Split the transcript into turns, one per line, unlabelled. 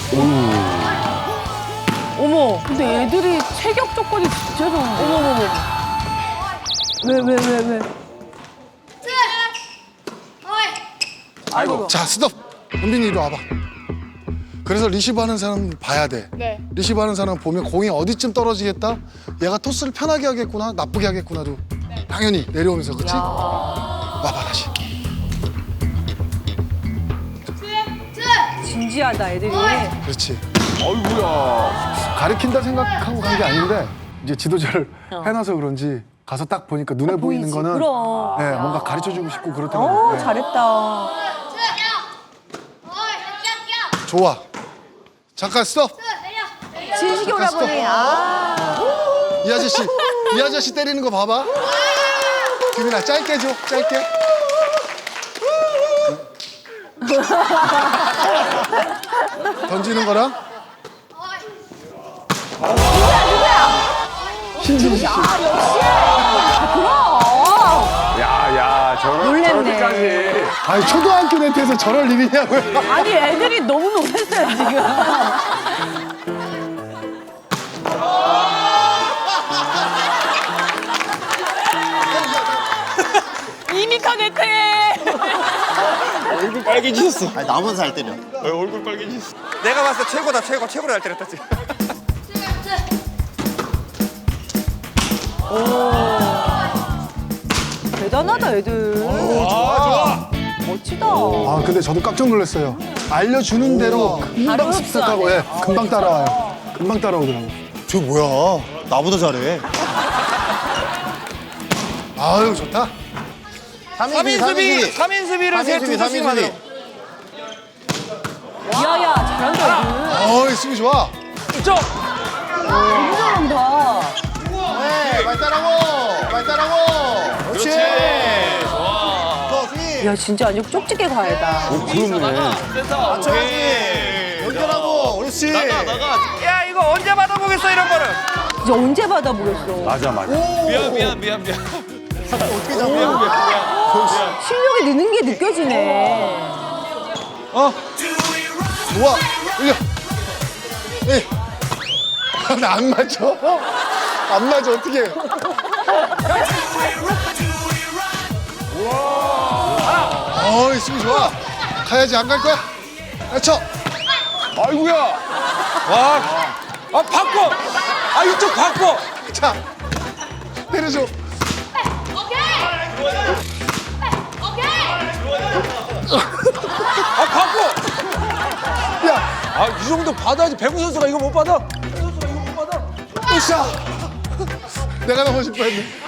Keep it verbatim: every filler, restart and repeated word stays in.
어머, 근데 애들이 체격 조건이 진짜 좋은데. 어머머머. 왜, 왜, 왜, 왜?
아이고. 자, 스톱. 은빈이 이리 와봐. 그래서 리시브 하는 사람 봐야 돼.
네.
리시브 하는 사람 보면 공이 어디쯤 떨어지겠다? 얘가 토스를 편하게 하겠구나, 나쁘게 하겠구나도 당연히 내려오면서, 그치? 와봐, 다시.
진지하다, 애들이.
그렇지.
어이구야.
가리킨다 생각하고 간 게 아닌데 이제 지도자를 해놔서 그런지 가서 딱 보니까 눈에 보이는
보이지.
거는
그럼.
네, 뭔가 가르쳐주고 싶고 그렇더라고요.
어,
네.
잘했다.
좋아. 잠깐 스톱.
진식이 오라버니. 아.
이 아저씨, 이 아저씨 때리는 거 봐봐. 규민아, 짧게 줘, 짧게. 던지는 거랑. 신진씨.
아, 역시. 그럼.
야야 저런
놀랬네.
저렇게까지.
아니, 초등학교 네트에서 저럴 일이냐고요.
아니, 애들이 너무 놀랐어요, 지금. 이미터 네트에.
얼굴 빨개지셨어.
아니, 나보다 잘 때려.
얼굴 빨개지셨어.
내가 봤을 때 최고다 최고 최고로 잘 때렸다 지금.
대단하다, 애들.
좋아, 좋아.
멋지다.
아, 근데 저도 깜짝 놀랐어요. 알려주는 대로 금방
바로
습득하고, 예, 금방 따라와요. 금방 따라오더라고.
저 뭐야? 나보다 잘해.
아유, 좋다.
삼 인 수비, 삼 인 수비를 세 두 수씩 만들어.
야야, 잘한다,
어이, 수비 좋아.
쪽.
애들. 너무 잘한다.
네, 말 따라고, 말 따라고. 그렇지. 좋아. 수비.
야, 진짜 완전 쪽집게 과외다.
맞춰야지. 연결하고. 그렇지.
야 이거 언제 받아보겠어 이런 거를.
이제 언제 받아보겠어.
맞아 맞아.
미안 미안 미안 미안.
어떻게 잡냐?
실력이 느는 게 느껴지네.
어? 좋아. 올려. 예. 나 안 맞아. 안 맞아, 어떻게. 어이, 수비 좋아. 가야지, 안 갈 거야? 야, 쳐.
아이구야.
와. 아 바꿔. 아 이쪽 바꿔.
자. 때려줘.
아 바꿔.
야.
아 이 정도 받아야지. 배구 선수가 이거 못 받아. 배구 선수가 이거 못 받아.
으쌰. 내가 넘어질 뻔했네.